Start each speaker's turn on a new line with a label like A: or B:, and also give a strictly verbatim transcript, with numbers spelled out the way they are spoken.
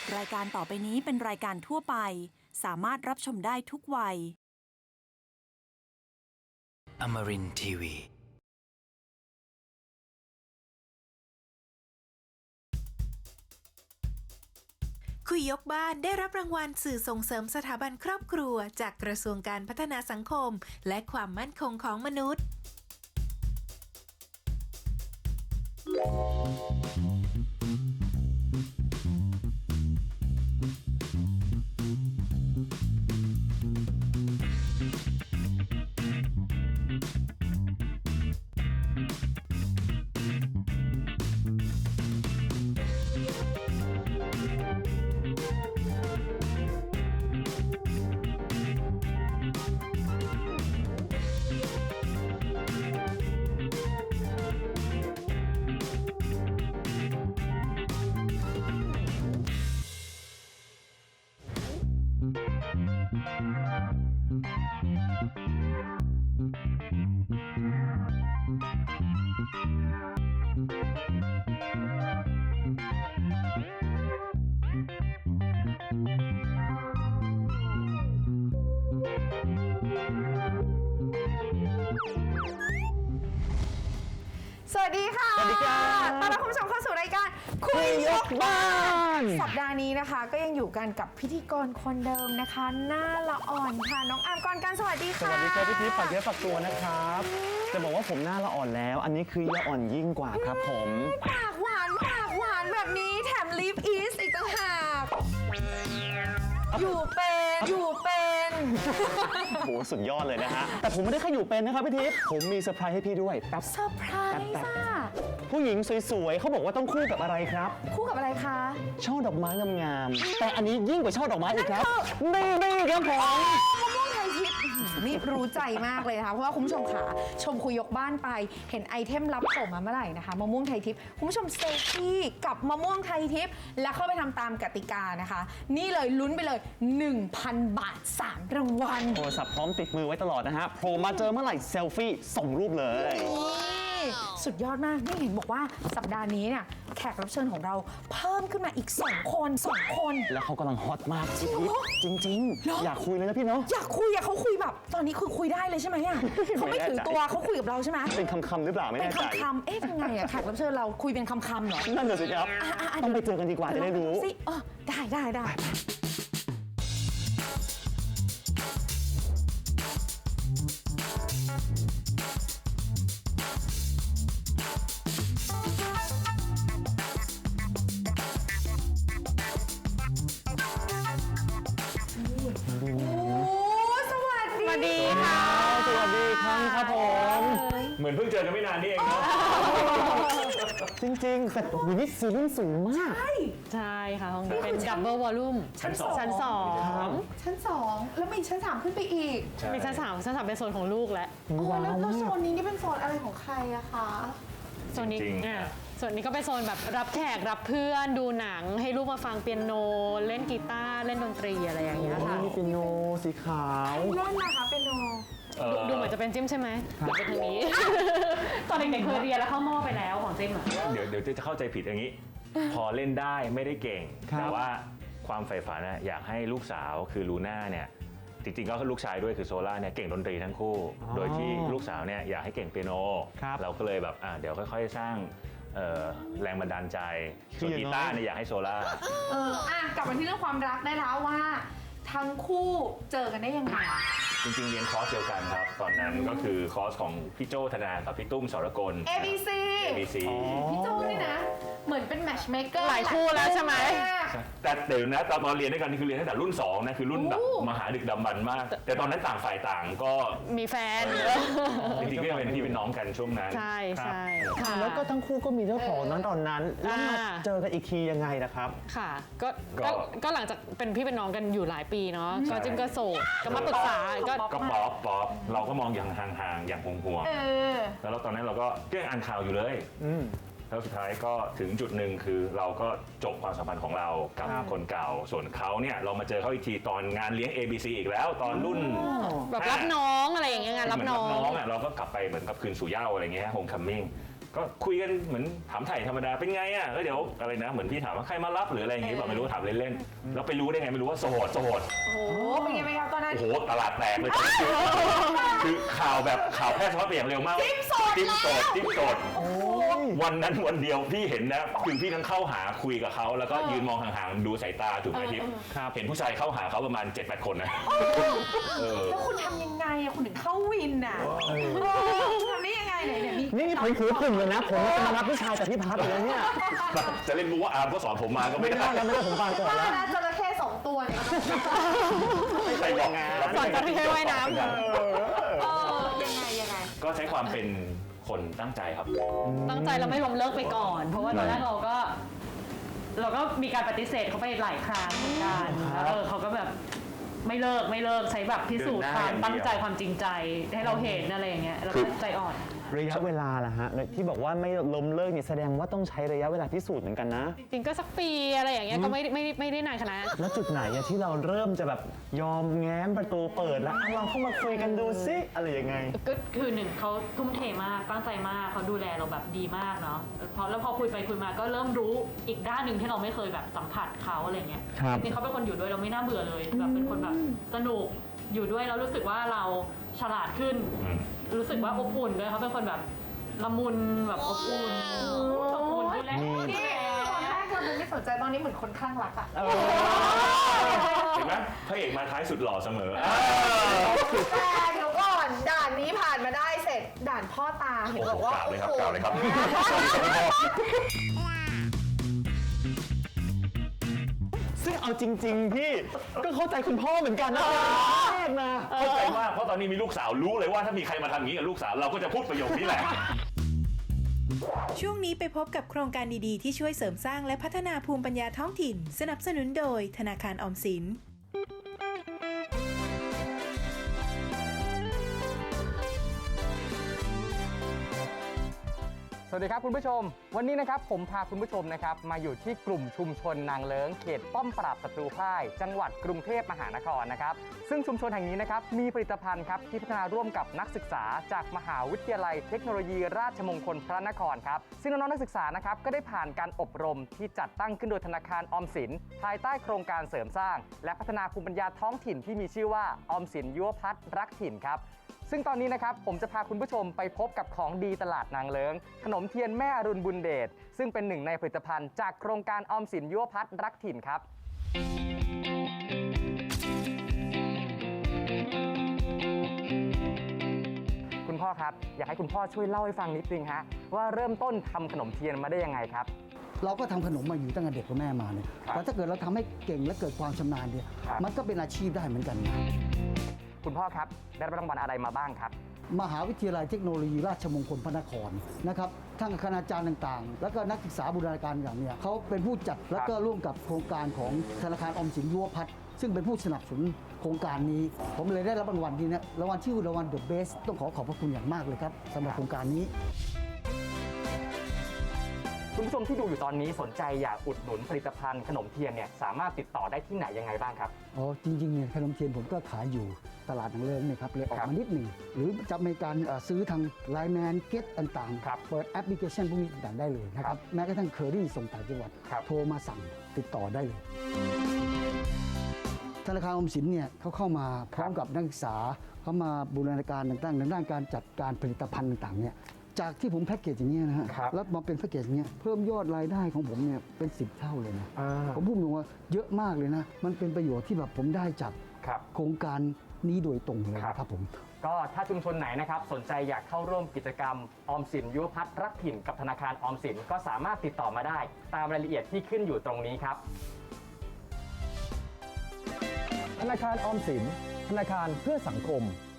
A: รายการต่อไปนี้เป็นรายการทั่วไปสามารถรับชมได้ทุกวัย
B: Amarin ที วี
C: คุยยกบ้านได้รับรางวัลสื่อส่งเสริมสถาบันครอบครัวจากกระทรวงการพัฒนาสังคมและความมั่นคงของมนุษย์
D: สวัสดีค่ะ
E: สวัสดีครับ
D: ต้อนรับคุณผู้ชมเข้าสู่รายการคุยยกบ้าน สัปดาห์นี้นะคะก็ยังอยู่กันกับพิธีกรคนเดิมนะคะ หน้าละอ่อนค่ะ น้องอาร์มกรกันสวัสดี
E: ส
D: ค่ะ
E: วัสดีครับพี่ทิพย์ฝากเยอะฝากตัวนะครับ จะบอกว่าผมหน้าละอ่อนแล้ว อันนี้คือยาอ่อนยิ่งกว่าครับผม
D: ปากหวานปากหวานแบบนี้แถมลิฟอีสอีกต่างหากอยู่เป็นอยู่เป็น
E: โหสุดยอดเลยนะฮะ แต่ผมไม่ได้แค่อยู่เป็นนะครับพี่ทิพย์ผมมีเซอร์ไพรส์ให้พี่ด้วยแป๊บ
D: เซอร์ไพรส์อ่ะ
E: ผู้หญิงสวยๆเขาบอกว่าต้องคู่กับอะไรครับ
D: คู่กับอะไรคะ
E: ช่อดอกไม้งามๆแต่อันนี้ยิ่งกว่าช่อดอกไม้อีกครับนี่นี่ครับผม
D: มะม่วงไทยทิพย์นี่รู้ใจมากเลยนะคะเพราะว่าคุณผู้ชมขาชมคุยยกบ้านไปเห็นไอเทมรับส่งมาเมื่อไหร่นะคะมะม่วงไทยทิพย์คุณผู้ชมเซลฟี่กับมะม่วงไทยทิพย์แล้วเข้าไปทำตามกติกานะคะ นี่เลยลุ้นไปเลย หนึ่งพัน บาทสามรางวัล
E: โทรศัพท์พร้อมติดมือไว้ตลอดนะฮะโผล่มาเจอเมื่อไหร่เซลฟี่ส่งรูปเลย
D: นี่สุดยอดมากนี่เห็นบอกว่าสัปดาห์นี้เนี่ยแขกรับเชิญของเราเพิ่มขึ้นมาอีกสองคนสองคน
E: แล้วเขากำลังฮอตมากพี่ทิพย์จริง
D: เหรอ
E: ๆ อยากคุยเลยนะพี่เนาะ
D: อยากคุยอะเขาคุยแบบตอนนี้คือคุยได้เลยใช่ไหมอะเขาไม่
E: ไม่แน่ใจ
D: ถือตัวเขาคุยกับเราใช่ไหม
E: เป็นคำๆหรือเปล่าไม่
D: เป็น
E: แน่ใจ
D: คำๆเอ๊ะยังไงอะแขกรับเชิญเราคุยเป็นคำๆเหรอ
E: นั่นน่ะสิครับ
D: อ่ะอ่ะอ่ะ
E: ต้องไปเจอกันดีกว่าจะได้รู้
D: สิเออได้ได้ได้ โอ้สวัสดี
F: สวัสดีค่ะ
E: สวัสดีครับครับผม
F: เหมือนเพิ่งเจอกันไม่นานนี่เองเนาะ
E: จริงๆแต่โอ้โหนี่ซีรุ่นสูงมาก
F: ใช่ค่ะห้องนี้เป็นดับเบิลวอลลุ่ม
D: ชั้นสอง
F: ชั้นสอง
E: ครับ
D: ชั้นสองแล้วมีชั้นสามขึ้นไปอีก
F: มีชั้นสามชั้นสามเป็นโซนของลูกแล้ว
D: โอ้
E: ว้า
D: แล้ว
E: ว
D: แล้ว
E: มา
D: โซ
E: ก
D: นนี้นี่เป็นโซนอะไรของใครอะคะ
F: โซนนี้
B: จริงๆ
F: อ่ะส่วนนี้ก็เป็นโซนแบบรับแขกรับเพื่อนดูหนังให้ลูกมาฟังเปียโน เล่นกีตาร์เล่นดนตรีอะไรอย่างเงี้ยค่ะ
E: มีเปียโนสีขาว
D: เล่นนะคะเป็นโน
F: ดูดูเหมือนจะเป็นจิ้มใช่ไหมเดี๋ยวเป็นทางนี้ ตอนเด็กๆเคยเรียนแล้วเข้าหม้อไปแล้วของจิ้มอ่ะ
B: เดี๋ยวเดี๋ยวจะเข้าใจผิดอย่างนี้ พอเล่นได้ไม่ได้เก่ง
E: ครับ
B: แต่ว่าความใฝ่ฝันนะอยากให้ลูกสาวคือลูน่าเนี่ยจริงๆก็ลูกชายด้วยคือโซล่าเนี่ยเก่งดนตรีทั้งคู่ โดยที่ลูกสาวเนี่ยอยากให้เก่งเปียโน
E: ครับ
B: เราก็เลยแบบอ่ะเดี๋ยวค่อยๆสร้างเอ่อแรงบันดาลใจ
E: คือ
B: ส่วน
E: อย่าง
B: กี
E: น้อย
B: ตาร์เนี่ยอยากให้โซล่า
D: เอออ่ะกลับมาที่เรื่องความรักได้แล้วว่า ทั้งคู่เจอกันได้ยังไง
B: จริงๆเรียนคอร์สเดียวกันครับ ตอนนั้นก็คือคอร์สของพี่โจธนากับพี่ตุ้มสรกล
D: เอ บี ซี
B: เอ บี ซี
D: พี่โจนี่นะ เหมือนเป็นแมทช์เมคเกอร์
F: หลายคู่แล้วใช่ไหม
B: แต่เดี๋ยวนะตอนตอนเรียนด้วยกันนี่คือเรียนตั้งแต่รุ่นสองนะคือรุ่นแบบ
D: โอ้
B: มหาดึกดำบรรพ์มาก แต่ตอนนั้นต่างฝ่ายต่างก็
F: มีแฟน
B: จริงๆก็ยังเป็นพี่เป็นน้องกันช่วงนั้น
F: ใช่ใช่ค่ะ
E: แล้วก็ทั้งคู่ก็มีเจ้าของนั้นตอนนั้น แล้วมา
F: อ่า
E: เจอกันอีกทียังไงนะครับ
F: ค่ะก็
B: ก็
F: ก็ก็หลังจากเป็นพี่เป็นน้องกันอยู่หลายปีเนาะก็จิ้มก็โสดก็มาปรึกษาก็
B: ก็ป๊อปป๊อปเราก็มองอย่างห่างๆอย่างห่วง
D: เออ
B: ๆแล้วตอนนั้นเราก็ก็ยังอ่านข่าวอยู่เลย
E: อืม
B: แล้วสุดท้ายก็ถึงจุดหนึ่งคือเราก็จบความสัมพันธ์ของเรากับ
E: ครับ
B: คนเก่า ส่วนเขาเนี่ยเรามาเจอเขาอีกทีตอนงานเลี้ยง เอ บี ซี อีกแล้วตอนรุ่น
F: แบบรับน้องอะไรอย่างเงี้ยงานรับน้อง
B: เหมืรับน้องอ่ะเราก็กลับไปเหมือนกับคืนสู่เหย้าอะไรเงี้ยโฮมคัมมิ่งก็คุยกันเหมือนถามไถ่ธรรมดาเป็นไงอ่ะแล้วเดี๋ยวอะไรนะเหมือนพี่ถามว่าใครมารับหรืออะไรอย่างงี้แบบไม่รู้ถามเล่นๆแล้วไปรู้ได้ไงไม่รู้ว่าโสดโสด
D: โอ้โหเป็นไงไหมครับตอนนั้น
B: โอ้โหตลาดแตกเลยตอนนี้คือข่าวแบบข่าวแพร่สะพัดไปอย่างเร็วมากติ๊มโสดติ๊มโสดติ๊มโสดวันนั้นวันเดียวพี่เห็นนะคือพี่ทั้งเข้าหาคุยกับเขาแล้วก็ยืนมองห่างๆดูสายตาถูกไหมทิพย์เห็นผู้ชายเข้าหาเขาประมาณ เจ็ดแปด คนนะเออ
D: แล้วคุณทำยังไงอะคุณถึงเข้าวินอะทำได้ยังไงไหนเนี่ยมี
E: นี่นี่ผมถือกลุ่มเลยนะ ผมจะมารับพี่ชายจากพี่พัฒน์เลยเนี่ย
B: จะเล่นมุกว่าอาร์มก็สอนผมมาก็ไม่
E: ไม่
B: ได้
E: ได้แล้วไม่ได้ผมฟังก่อนแล้ว
D: นะจระเข้สองตัวเนี่ย
B: ใครบอก
F: สอนจระเข้ว่ายน้ำ
D: เออยังไงยังไง
B: ก็ใช้ความเป็นคนตั้งใจครับ
F: ตั้งใจเราไม่ล้มเลิกไปก่อน เพราะว่าตอนแรกเราก็ เราก็มีการปฏิเสธเขาไปหลายครั้งเหมือนกันแล้วเออเขาก็แบบไม่เลิกไม่เลิกใช้แบบพิสูจน์ความตั้งใจความจริงใจให้เราเห็นอะไรอย่างเงี้ยเราก็ใจอ่อน
E: ระยะเวลาล่ะฮะที่บอกว่าไม่ล้มเลิกนี่แสดงว่าต้องใช้ระยะเวลาพิสูจน์เหมือนกันนะ
F: จริงๆก็สักปีอะไรอย่างเงี้ยก็ไม่ไม่ไม่ได้นานขนาดนั้น
E: แล้วจุดไหนอะที่เราเริ่มจะแบบยอมแง้มประตูเปิดแล้วอ่ะเราเข้ามาคุยกันดูซิอะไรยังไง
F: ก็คือหนึ่งเขาทุ่มเทมากตั้งใจมากเขาดูแลเราแบบดีมากเนาะพอแล้วพอคุยไปคุยมาก็เริ่มรู้อีกด้านหนึ่งที่เราไม่เคยแบบสัมผัสเขาอะไรเงี้ย
E: ครับ
F: จริงๆเขาเป็นคนอยู่ด้วยเราไม่น่าเบื่อเลยแบบเป็นคนแบบสนุกอยู่ด้วยแล้วรู้สึกว่าเราฉลาดขึ้น รู้สึกว่าอบอุ่นด้วยเขาเป็นคนแบบละมุนแบบอบอุ่นอบอุ่นดูแล
D: นี่ตอนแรกเราไม่สนใจตอนนี้เหมือนคนข้างรักอะ
B: เห็นไหมพระเอกมาท้ายสุดหล่อเสมอ
D: แต่เดี๋ยวก่อนด่านนี้ผ่านมาได้เสร็จด่านพ่อตาเห็น
B: โอ้
D: บ
B: โห
D: อกว่า
B: กล่าวเลยครับ
D: โอ้โห
B: กล่าวเลยครับ
E: ซึ่งเอาจริง ๆ พี่ก็เข้าใจคุณพ่อเหมือนกันนะแรกนะ
B: เข้าใจมากเพราะตอนนี้มีลูกสาวรู้เลยว่าถ้ามีใครมาทำอย่างนี้กับลูกสาวเราก็จะพูดประโยคนี้แหละ
C: ช่วงนี้ไปพบกับโครงการดีๆ ที่ช่วยเสริมสร้างและพัฒนาภูมิปัญญาท้องถิ่น สนับสนุนโดยธนาคารออมสิน
G: สวัสดีครับคุณผู้ชม วันนี้นะครับผมพาคุณผู้ชมนะครับมาอยู่ที่กลุ่มชุมชนนางเลิ้งเขตป้อมปราบศัตรูพ่ายจังหวัดกรุงเทพมหานครนะครับซึ่งชุมชนแห่งนี้นะครับมีผลิตภัณฑ์ครับที่พัฒนาร่วมกับนักศึกษาจากมหาวิทยาลัยเทคโนโลยีราชมงคลพระนครครับซึ่งน้องๆนักศึกษานะครับก็ได้ผ่านการอบรมที่จัดตั้งขึ้นโดยธนาคารออมสินภายใต้โครงการเสริมสร้าง และพัฒนาภูมิปัญญาท้องถิ่นที่มีชื่อว่าออมสินยุวพัฒน์รักถิ่นครับซึ่งตอนนี้นะครับผมจะพาคุณผู้ชมไปพบกับของดีตลาดนางเลิ้งขนมเทียนแม่อรุณบุญเดชซึ่งเป็นหนึ่งในผลิตภัณฑ์จากโครงการออมสินยุวพัฒน์รักถิ่นครับคุณพ่อครับอยากให้คุณพ่อช่วยเล่าให้ฟังนิดนึงฮะว่าเริ่มต้นทำขนมเทียนมาได้ยังไงครับ
H: เราก็ทำขนมมาอยู่ตั้งแต่เด็กกับแม่มาเนี่ย
G: ครับ
H: แต่ถ้าเกิดเราทำให้เก่งและเกิดความชำนาญเนี่ย
G: ครับ
H: มันก็เป็นอาชีพได้เหมือนกันนะ
G: คุณพ่อครับได้รับรางวัลอะไรมาบ้างครับ
H: มหาวิทยาลัยเทคโนโลยีราชมงคลพระนครนะครับทั้งคณาจารย์ต่างๆ แล้วก็นักศึกษาบูรณาการอย่างเนี่ยเขาเป็นผู้จัดแล้วก็ร่วมกับโครงการของธนาคารออมสินยุวพัฒน์ซึ่งเป็นผู้สนับสนุนโครงการนี้ ผมเลยได้รับรางวัลนี้นะรางวัลชื่อรางวัล The Best ต้องขอขอบพระคุณอย่างมากเลยครับสำหรับโครงการนี้
G: คุณผู้ชมที่ดูอยู่ตอนนี้สนใจอยากอุดหนุนผลิตภัณฑ์ขนมเทียนเนี่ยสามารถติดต่อได้ที่ไหนยังไงบ้างครับ
H: อ๋อจริงๆเนี่ยขนมเทียนผมก็ขายอยู่ตลาดนางเลิ้งเนี่ยครับเลยออก
G: ครับ
H: มานิดหนึ่งหรือจะมีการเอ่อซื้อทางไลน์แมนเก็ตต่าง
G: ครับ
H: ๆเปิดแอปพลิเคชันพวกนี้ต่างๆได้เลยนะค
G: ครั
H: รับบ แม้กระทั่งเคอรี่ส่งต่างจังหวัด
G: ครับ
H: โทรมาสั่งติดต่อได้เลย ธนาคารออมสินเนี่ยเขาเข้ามาพร้อมกับนักศึกษาเขามาบูรณาการต่างๆในด้านการจัดการผลิตภัณฑ์ต่างๆเนี่ยจากที่ผมแพ็กเกจอย่างนี้ยนะฮะ
G: ครับ
H: แล้วมาเป็นแพ็กเกจอย่างเงี้ยเพิ่มยอดรายได้ของผมเนี่ยเป็นสิบเท่าเลยนะ
G: อ่า
H: ผมพูดตรงว่าเยอะมากเลยนะ มันเป็นประโยชน์ที่แบบผมได้จาก
G: ครับ
H: โครงการนี้โดยตรงเลย
G: ครับ
H: นะครับผม
G: ก็ถ้าชุมชนไหนนะครับสนใจอยากเข้าร่วมกิจกรรมออมสินยุวพัฒน์รักถิ่นกับธนาคารออมสินก็สามารถติดต่อมาได้ตามรายละเอียดที่ขึ้นอยู่ตรงนี้ครับ
I: ธนาคารออมสินธนาคารเพื่อสังคม